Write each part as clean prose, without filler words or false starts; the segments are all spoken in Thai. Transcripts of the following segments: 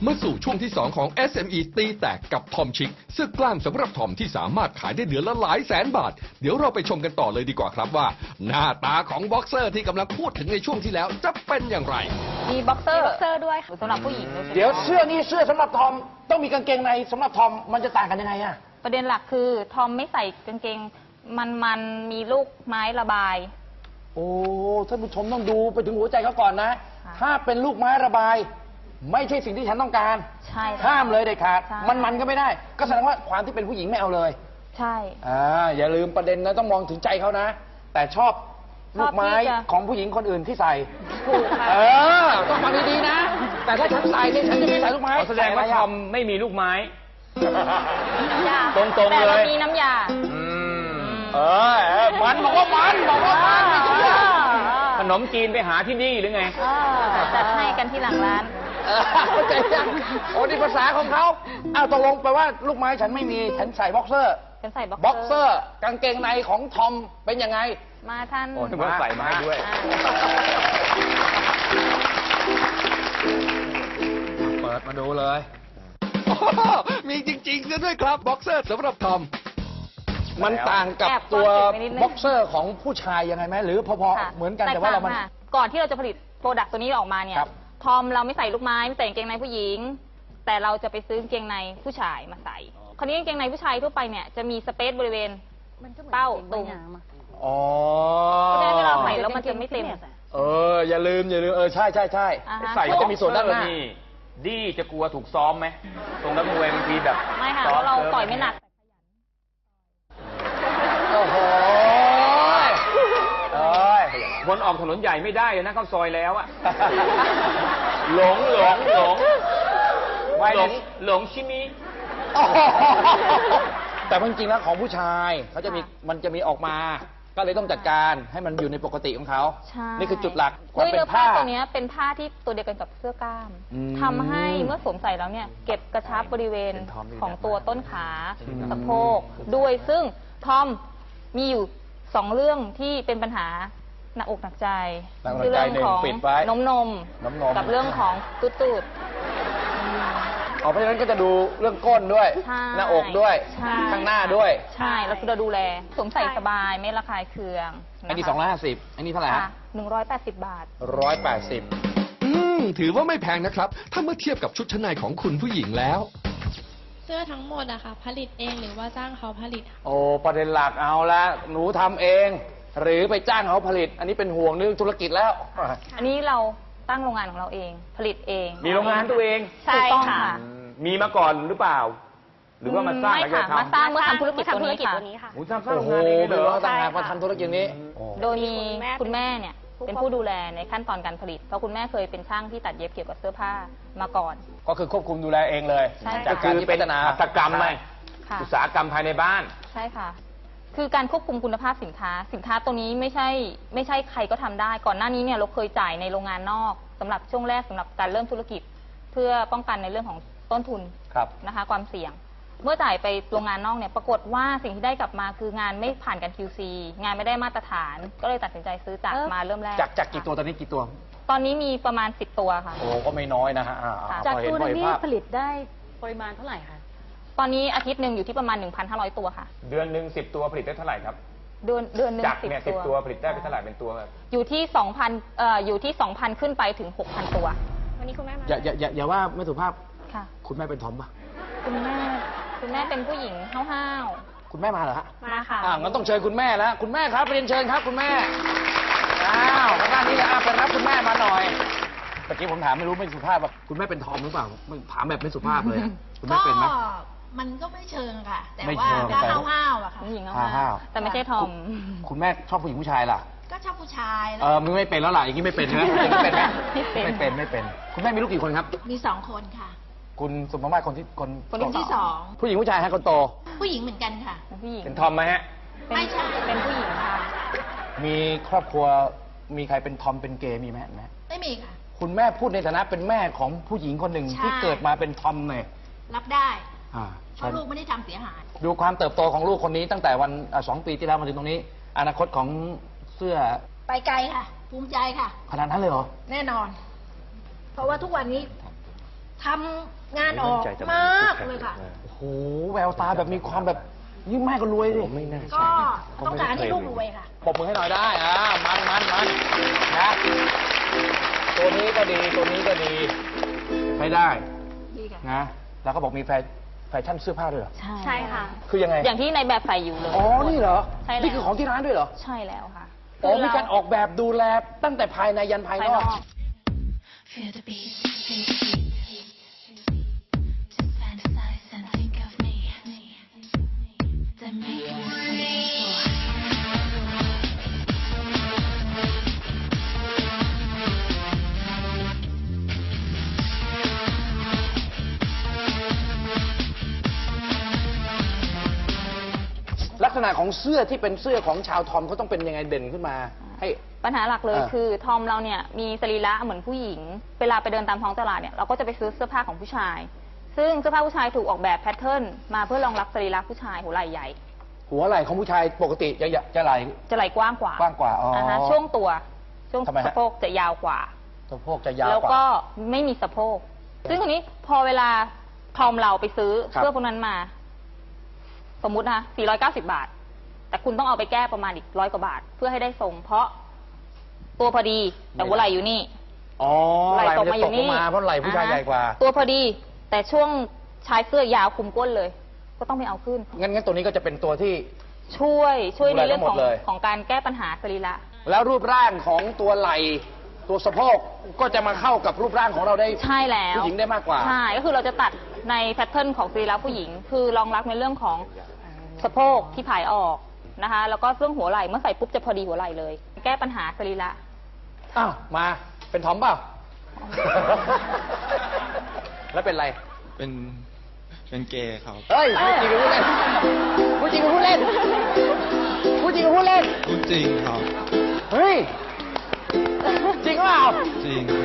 มาสู่ช่วงที่ 2 ของ SME ตีแตกกับทอมชิคเสื้อกล้ามสำหรับทอมที่สามารถขายได้เดือนละหลายแสนบาท เดี๋ยวเราไปชมกันต่อเลยดีกว่าครับว่า หน้าตาของบ็อกเซอร์ที่กำลังพูดถึงในช่วงที่แล้วจะเป็นอย่างไรมีบ็อกเซอร์ด้วยค่ะสำหรับผู้หญิงโดยเฉพาะเดี๋ยวเสื้อนี่เสื้อสำหรับทอมต้องมีกางเกงในสำหรับทอมมันจะต่างกันยังไงอะประเด็นหลักคือทอมไม่ใส่กางเกงมันมีลูกไม้ระบายโอ้ท่านผู้ชมต้องดูไปถึงหัวใจเขาก่อนนะค่ะถ้าเป็นลูกไม้ระบาย ไม่ใช่สิ่งที่ฉันต้องการใช่ค่ะห้ามเลยเด็ดขาดใช่มันก็ไม่ได้ ก็แสดงว่าความที่เป็นผู้หญิงไม่เอาเลยใช่อย่าลืมประเด็นนะต้องมองถึงใจเขานะ แต่ชอบลูกไม้ของผู้หญิงคนอื่นที่ใส่ถูกค่ะต้องฟังดีๆนะ แต่ถ้าฉันใส่เนี่ยฉันจะไม่ใส่ลูกไม้แสดงว่าทอมไม่มีลูกไม้น้ำยาตรงๆแต่เราเลยมีน้ำยามันบอกว่ามันไม่เชื่อขนมจีนไปหาที่นี่หรือไงจัดให้กันที่หลังร้านเข้าใจยังโอ้นี่ภาษาของเขาตกลงแปลว่าลูกไม้ฉันไม่มีฉันใส่บ็อกเซอร์เป็นใส่บ็บ็ออก กเซเซออร์ร์กางเกงในของทอมเป็นยังไงมาท่านโอ้ยว่าใส่มาให้ด้วยเปิดมาดูเลยมีจริงๆซะด้วยครับบ็อกเซอร์สำหรับทอมมันต่างกับแอบตัวซ่อนเก็บไว้นิดนึงบ็อกเซอร์ของผู้ชายยังไงไหมหรือพอค่ะๆเหมือนกันแต่ว่าเรามันต่งค่ะก่อนที่เราจะผลิตโปรดักต์ตัวนี้ออกมาเนี่ยครับทอมเราไม่ใส่ลูกไม้ไม่ใส่กางเกงในผู้หญิง แต่เราจะไปซื้อกางเกงในผู้ชายมาใส่ คราวนี้กางเกงในผู้ชายทั่วไปเนี่ยจะมีสเปซบริเวณเป้าตรงอ๋อเพราะฉะนั้นเวลาใส่แล้วมันจะไม่เต็มอย่าลืมใช่อ่าฮะใส่ก็จะมีส่วนด้านหลังนี่ดีจะกลัวถูกซ้อมไหมตรงนักมวยบางทีแบบไม่ค่ะซ้เพอราะเราซิฟต่อยไม่หนักโอ้โหคนออกถนนใหญ่ไม่ได้เลยนะเข้าซอยแล้วอะหลงชิมิแต่จริงๆแล้วของผู้ชายเขาจะมีมันจะมีออกมา ก็เลยต้องจัดการให้มันอยู่ในปกติของเขาใช่นี่คือจุดหลักความด้วยเป็เนื้นอผ้าผ้าตัวเนี้ยเป็นผ้าที่ตัวเดียวกันกับเสื้อกล้ามอืมทำให้เมื่อสวมใส่แล้วเนี่ยเก็บกระชับบริเวณของตัวต้นขาสะโพกด้วยซึ่งทอมมีอยู่2เรื่องที่เป็นปัญหาหนักอกหนักใจหนักอกหนักใจคือเรื่องของหนึ่งปิดไว้นมนมกับเรื่องของตูดเพราะฉะนั้นก็จะดูเรื่องก้นด้วยใช่หน้าอกด้วยใช่ข้างหน้าด้วยใช่แล้วคือเราดูแลสวมใส่สบายไม่ระคายเคืองอันนี้นะคะ 250อันนี้เท่าไหร่ค่ะฮะ 180 บาท 180 ถือว่าไม่แพงนะครับ ถ้าเมื่อเทียบกับชุดชั้นในของคุณผู้หญิงแล้วเสื้อทั้งหมดอะค่ะผลิตเองหรือว่าจ้างเขาผลิตโอ้ประเด็นหลักเอาละหนูทำเอง หรือไปจ้างเขาผลิต อันนี้เป็นห่วงเรื่องธุรกิจแล้วอันนี้เราตั้งโรงงานของเราเองผลิตเองมีโรงงานตัวเองใช่ค่ะมีมาก่อนหรือเปล่า หรือว่ามาสร้างไม่แล้วค่ะจะมาทำสร้างเมื่อทำธุรกิจตัวนี้ค่ะโอ้ทำสร้างโอ้โรงโหงานเองเป็เลนยเหรว่าอต่างหากมาทำธุรกิจนี้โดยมีคุณแม่เนี่ยเป็นผู้ดูแลในขั้นตอนการผลิต เพราะคุณแม่เคยเป็นช่างที่ตัดเย็บเกี่ยวกับเสื้อผ้ามาก่อนก็คือควบคุมดูแลเองเลยใช่ค่ะจากการที่พัฒนาหัตถกรรมไหมค่ะอุตสาหกรรมภายในบ้านใช่ค่ะ คือการควบคุมคุณภาพสินค้าตัวนี้ไม่ใช่ใครก็ทำได้ ก่อนหน้านี้เนี่ยเราเคยจ่ายในโรงงานนอกสำหรับช่วงแรกสำหรับการเริ่มธุรกิจ เพื่อป้องกันในเรื่องของต้นทุนครับนะคะความเสี่ยง เมื่อจ่ายไปโรงงานนอกเนี่ยปรากฏว่าสิ่งที่ได้กลับมาคืองานไม่ผ่านการ QC งานไม่ได้มาตรฐาน ก็เลยตัดสินใจซื้อจากมาเริ่มแรกจากกี่ตัวตอนนี้กี่ตัวตอนนี้มีประมาณ10ตัวค่ะโอ้ก็ไม่น้อยนะฮะค่ะพอเห็นพอเห็นภาพปริมาณเท่าไหร่คะตอนนี้อาทิตย์หนึ่งอยู่ที่ประมาณ 1,500 ตัวค่ะเดือนหนึ่ง10 ตัวผลิตได้เท่าไหร่ครับเดือนหนึ่งจากเนี่ย 10 10 ตัวผลิตได้เป็นเท่าไหร่เป็นตัวครับอยู่ที่ 2,000 ขึ้นไปถึง 6,000 ตัววันนี้คุณแม่มาอย่าว่าไม่สุภาพค่ะคุณแม่เป็นทอมปะคุณแม่เป็นผู้หญิงห้าวคุณแม่มาเหรอฮะๆมาค่ะงั้นต้องเชิญคุณแม่แล้วคุณแม่ครับเรียนเชิญครับคุณแม่ทางด้านนี้เลยไปรับคุณแม่มาหน่อยเมื่อกี้ผมถามไม่รู้ไม่สุภาพว่าคุณแม่เป็นทอมหรือเปล่าถามแบบไม่สุภาพเลยอะคุณแม่เป็นไหมมันก็ไม่เชิงค่ะ แต่ไม่ว่าเชิงก็แต่ห้าวๆอะค่ะผู้หญิงห้าห้าว วๆแต่ไม่ใช่ทอมคุณแม่ชอบผู้หญิงผู้ชายล่ะก็ชอบผู้ชายแล้วมึงไม่เป็นแล้วล่ะอย่างนี้ไม่เป็นใช่ไหมไม่เป็นไหมไม่เป็นไม่เป็น คุณแม่มีลูกกี่คนครับมี2 คนค่ะคุณสมมาตรคนที่คนที่ผู้หญิงผู้ชายฮะคนโต 2 ผู้หญิงเหมือนกันค่ะเป็นผู้หญิงเป็นทอมไหมฮะเป็นไม่ใช่เป็นผู้หญิงค่ะมีครอบครัวมีใครเป็นทอมเป็นเกย์มีไหมไม่มีค่ะคุณแม่พูดในฐานะเป็นแม่ของผู้หญิงคนหนึ่งใช่ที่เกิดมาเป็นทอมเนี่ยรับได้อ่าเพราะลูกไม่ได้ทำเสียหายดูความเติบโตของลูกคนนี้ตั้งแต่วัน2 ปีที่แล้วมาถึงตรงนี้ อนาคตของเสื้อไปไกลค่ะ ภูมิใจค่ะขนาดนั้นเลยเหรอแน่นอน เพราะว่าทุกวันนี้ทำงานออกมากเลยค่ะโอ้โหแววตาแบบมีความแบบยิ่งแม่ก็รวยดิไม่น่าก็ใช่ต้องการให้ลูกรวยค่ะปรบมือให้หน่อยได้มันนะตัวนี้ก็ดีตัวนี้ก็ดีใช้ได้ดีค่ะนะแล้วก็บอกมีแฟชั่นเสื้อผ้าด้วยเหรอใช่ค่ะคือยังไงอย่างที่ในแบบใส่อยู่เลยอ๋อนี่เหรอใช่แล้วนี่คือของที่ร้านด้วยเหรอใช่แล้วค่ะอ๋อมีการออกแบบดูแลตั้งแต่ภายในยันภายนอก Feel the beat, feel the beat. Just fantasize and think of me. Then make me scream. ลักษณะของเสื้อที่เป็นเสื้อของชาวทอมเขาต้องเป็นยังไงเด่นขึ้นมาให้ปัญหาหลักเลยอ่าคือทอมเราเนี่ยมีสรีระเหมือนผู้หญิง เวลาไปเดินตามท้องตลาดเนี่ยเราก็จะไปซื้อเสื้อผ้าของผู้ชาย ซึ่งเสื้อผ้าผู้ชายถูกออกแบบแพทเทิร์นมาเพื่อรองรับสรีระผู้ชายหัวไหล่ใหญ่หัวไหล่ของผู้ชายปกติจะไหล่จะไหล่กว้างกว่ากว้างกว่าอ๋ออ่ฮะช่วงตัวช่วงทำไมฮะสะโพกจะยาวกว่าสะโพกจะยาวแล้วกว่าก็ไม่มีสะโพก ซึ่งทีนี้พอเวลาทอมเราไปซื้อครับเสื้อพวกนั้นมา สมมุตินะ490 บาท แต่คุณต้องเอาไปแก้ประมาณอีก100 กว่าบาท เพื่อให้ได้ทรง เพราะตัวพอดีแต่หัวไหล่อยู่นี่อ๋อไหล่มันจะตกลงมาเพราะไหล่ผู้ชายใหญ่กว่าตัวพอดี แต่ช่วงชายเสื้อยาวคุมก้นเลย ก็ต้องไปเอาขึ้นงั้นตัวนี้ก็จะเป็นตัวที่ช่วยในเรื่องดูแลทั้งหมขดองเลยของการแก้ปัญหาสรีระแล้วรูปร่างของตัวไหล่ตัวสะโพกก็จะมาเข้ากับรูปร่างของเราได้ใช่แล้วผู้หญิงได้มากกว่าใช่ ก็คือเราจะตัดในแพทเทิร์นของสรีระผู้หญิง คือรองรับในเรื่องของสะโพกที่ผายออกนะคะ แล้วก็เรื่องหัวไหล่เมื่อใส่ปุ๊บจะพอดีหัวไหล่เลย แก้ปัญหาสรีระอ้าวมาเป็นทอมเปล่า แล้วเป็นไรเป็นเกย์ครับเฮ้ยพูดจริงหรือพูดเล่นพูดจริงหรือพูดเล่นพูดจริงครับเฮ้ยจริงเปล่าจริงครับ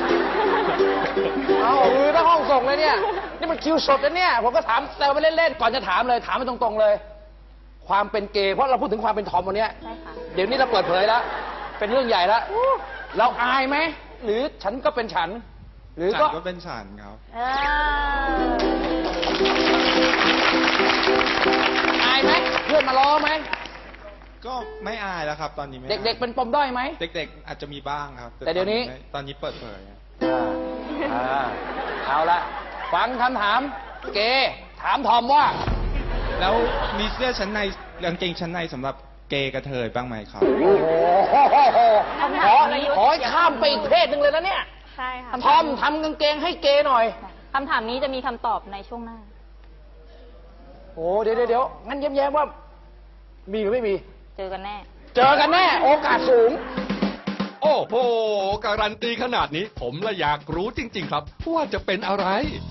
เอามือทั้งห้องส่งเลยเนี่ยนี่มันคิวสดนะเนี่ยผมก็ถามแซวไปเล่นๆก่อนจะถามเลยถามไปตรงๆเลย ความเป็นเกย์เพราะเราพูดถึงความเป็นทอมวันเนี้ยใช่ค่ะเดี๋ยวนี้เราเปิดเผยแล้ว เป็นเรื่องใหญ่แล้ว เราอายไหม หรือฉันก็เป็นฉัน หรือฉัก็นก็เป็นฉันครับอายไหม เพื่อนมาล้อไหมก็ไม่อายแล้วครับ ตอนนี้ไม่อายเด็กๆเป็นปมด้อยไหมเด็กๆอาจจะมีบ้างครับแต่เดี๋ยวนี้ตอนนี้เปิดเผยเอาละฟังคำถาม เกย์ถามทอมว่าแล้วมีเสื้อชั้นในกางเกงชั้นในสำหรับเกย์กระเทยบ้างไหมครับโอ้โหขอให้ข้ามไปอีกเพศหนึ่งเลยนะเนี่ยใช่ค่ะทอมทำกางเกงให้เกย์หน่อยคำถามนี้จะมีคำตอบในช่วงหน้าโอ้เดี๋ยวงั้นแย้มๆว่า มีหรือไม่มีเจอกันแน่เจอกันแน่ โอกาสสูงโอ้โห การันตีขนาดนี้ ผมละอยากรู้จริง ๆ ครับ ว่าจะเป็นอะไร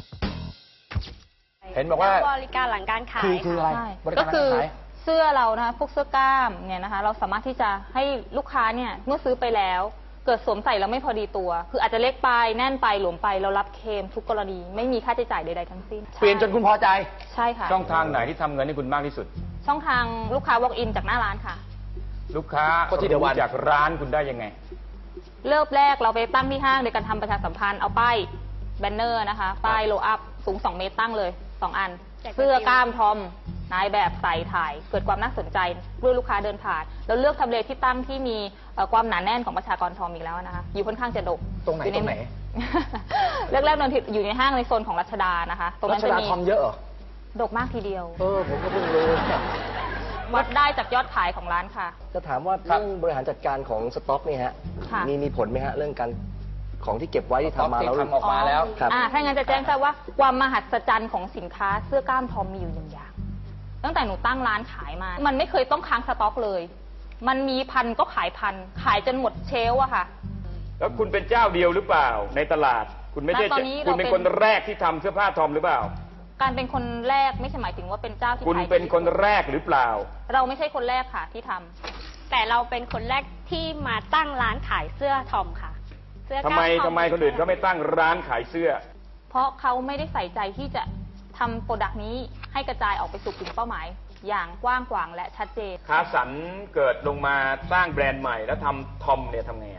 เห็นบอกว่าบริการหลังการขายคืออะไรใช่บริก็การคือขายเสื้อเรานะคะพวกเสื้อกล้ามเนี่ยนะคะ เราสามารถที่จะให้ลูกค้าเนี่ยเมื่อซื้อไปแล้ว เกิดสวมใส่แล้วไม่พอดีตัว คืออาจจะเล็กไปแน่นไปหลวมไปเรารับเคลมทุกกรณี ไม่มีค่าใช้จ่ายใดๆทั้งสิ้นเปลี่ยนจนคุณพอใจใช่ค่ะช่องทางไหนที่ทำเงินให้คุณมากที่สุดช่องทางลูกค้า walk in จากหน้าร้านค่ะลูกค้าก็ที่เดียวกันรู้จากร้านคุณได้ยังไงเริ่มแรกเราไปตั้งที่ห้างโดยการทำประชาสัมพันธ์เอาป้ายแบนเนอร์นะคะ ป้ายโลอัพสูง 2 เมตรตั้งเลย 2 อัน เสื้อกล้ามทอมนายแบบใส่ถ่าย เกิดความน่าสนใจด้วยลูกค้าเดินผ่านเราเลือกทำเลที่ตั้งที่มีความหนาแน่นของประชากรทอมอีกแล้วนะคะ อยู่ค่อนข้างจะดกตรงไหนอยู่ตรงไหนแรกๆนนทิอยู่ในห้างในโซนของรัชดานะคะ ตรงรันั้นชจะดามีทอมเยอะเหรอดกมากทีเดียวผมก็เพิ่งรู้วัดได้จากยอดขายของร้านค่ะจะถามว่าครับเรื่องบริหารจัดการของสต็อกนี่ฮะค่ะมีผลไหมฮะ เรื่องการของที่เก็บไว้ที่ทำมาแล้วที่ทำออกมาแล้วครับถ้างั้นจะแจ้งทราบว่าความมหัศจรรย์ของสินค้าเสื้อกล้ามทอมมีอยู่หนึ่งอย่าง ตั้งแต่หนูตั้งร้านขายมา มันไม่เคยต้องค้างสต็อกเลย มันมีพันก็ขายพัน ขายจนหมดเชลฟ์อะค่ะแล้วคุณเป็นเจ้าเดียวหรือเปล่า ในตลาด คุณไม่ใช่ณตอนนี้คุณเป็นเราเป็นคนแรกที่ทำเสื้อผ้าทอมหรือเปล่าการเป็นคนแรกไม่ใช่หมายถึงว่าเป็นเจ้าที่คุณขายดีเป็นคนแรกหรือเปล่าเราไม่ใช่คนแรกค่ะที่ทำแต่เราเป็นคนแรกที่มาตั้งร้านขายเสื้อทอมค่ะ เสื้อกทำล้าไมทอทำไมคนอื่นเขาไม่ตั้งร้านขายเสื้อเพราะเขาไม่ได้ใส่ใจที่จะทำโปรดักต์นี้ให้กระจายออกไปสู่กลุ่มเป้าหมาย อย่างกว้างขวางและชัดเจนคาสันเกิดลงมาสร้างแบรนด์ใหม่แล้วทำทอมเนี่ยทำไงอะท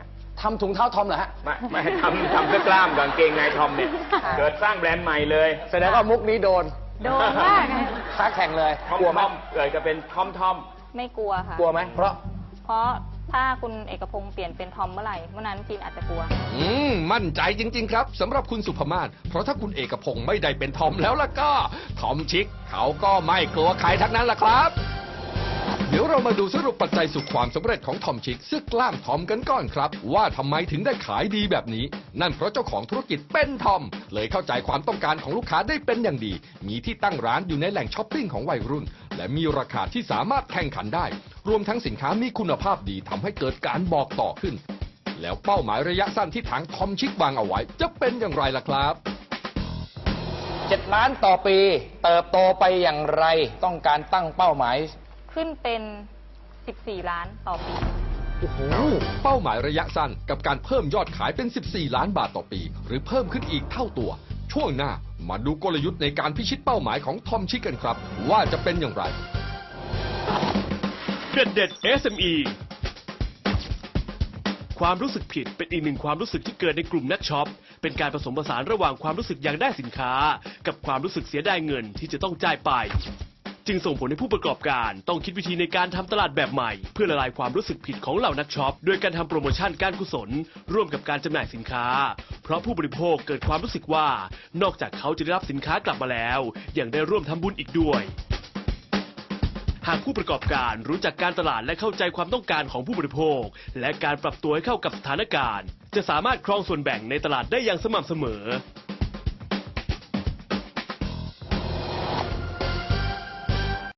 ทำถุงเท้าทอมเหรอฮะไม่ทำเสื้อกล้ามกับกางเกงในทอมเนี่ย เกิดสร้างแบรนด์ใหม่เลยแสดงว่ามุกนี้โดนโดนมากนะค้าแข่งเลยทอมกลัวไหมทอมเกิดจะเป็นทอมไม่กลัวค่ะกลัวไหมเพราะเพราะถ้าคุณเอกพงศ์เปลี่ยนเป็นทอมเมื่อไหร่เมื่อนั้นจีนอาจจะกลัวมั่นใจจริง ๆ ครับสำหรับคุณสุภมาศเพราะถ้าคุณเอกพงศ์ไม่ได้เป็นทอมแล้วล่ะก็ทอมชิคเขาก็ไม่กลัวใครทั้งนั้นล่ะครับ เดี๋ยวเรามาดูสรุปปัจจัยสู่ความสำเร็จของทอมชิคเสื้อกล้ามทอมกันก่อนครับ ว่าทำไมถึงได้ขายดีแบบนี้ นั่นเพราะเจ้าของธุรกิจเป็นทอม เลยเข้าใจความต้องการของลูกค้าได้เป็นอย่างดี มีที่ตั้งร้านอยู่ในแหล่งช้อปปิ้งของวัยรุ่น และมีราคาที่สามารถแข่งขันได้ รวมทั้งสินค้ามีคุณภาพดีทำให้เกิดการบอกต่อขึ้น แล้วเป้าหมายระยะสั้นที่ทางทอมชิควางเอาไว้ จะเป็นอย่างไรล่ะครับ 7 ล้านต่อปี เติบโตไปอย่างไร ต้องการตั้งเป้าหมายขึ้นเป็น 14 ล้านต่อปีเป้าหมายระยะสั้นกับการเพิ่มยอดขายเป็น 14 ล้านบาทต่อปี หรือเพิ่มขึ้นอีกเท่าตัว ช่วงหน้ามาดูกลยุทธ์ในการพิชิตเป้าหมายของทอมชิคกันครับ ว่าจะเป็นอย่างไรเด็ด SME ความรู้สึกผิดเป็นอีกหนึ่งความรู้สึกที่เกิดในกลุ่มนักช็อป เป็นการผสมผสานระหว่างความรู้สึกอยากได้สินค้า กับความรู้สึกเสียดายเงินที่จะต้องจ่ายไป จึงส่งผลให้ผู้ประกอบการต้องคิดวิธีในการทำตลาดแบบใหม่ เพื่อละลายความรู้สึกผิดของเหล่านักช็อปโดยการทำโปรโมชั่นการกุศล ร่วมกับการจำหน่ายสินค้า เพราะผู้บริโภคเกิดความรู้สึกว่านอกจากเขาจะได้รับสินค้ากลับมาแล้วยังได้ร่วมทำบุญอีกด้วย หากผู้ประกอบการรู้จักการตลาดและเข้าใจความต้องการของผู้บริโภค และการปรับตัวให้เข้ากับสถานการณ์ จะสามารถครองส่วนแบ่งในตลาดได้อย่างสม่ำเสมอ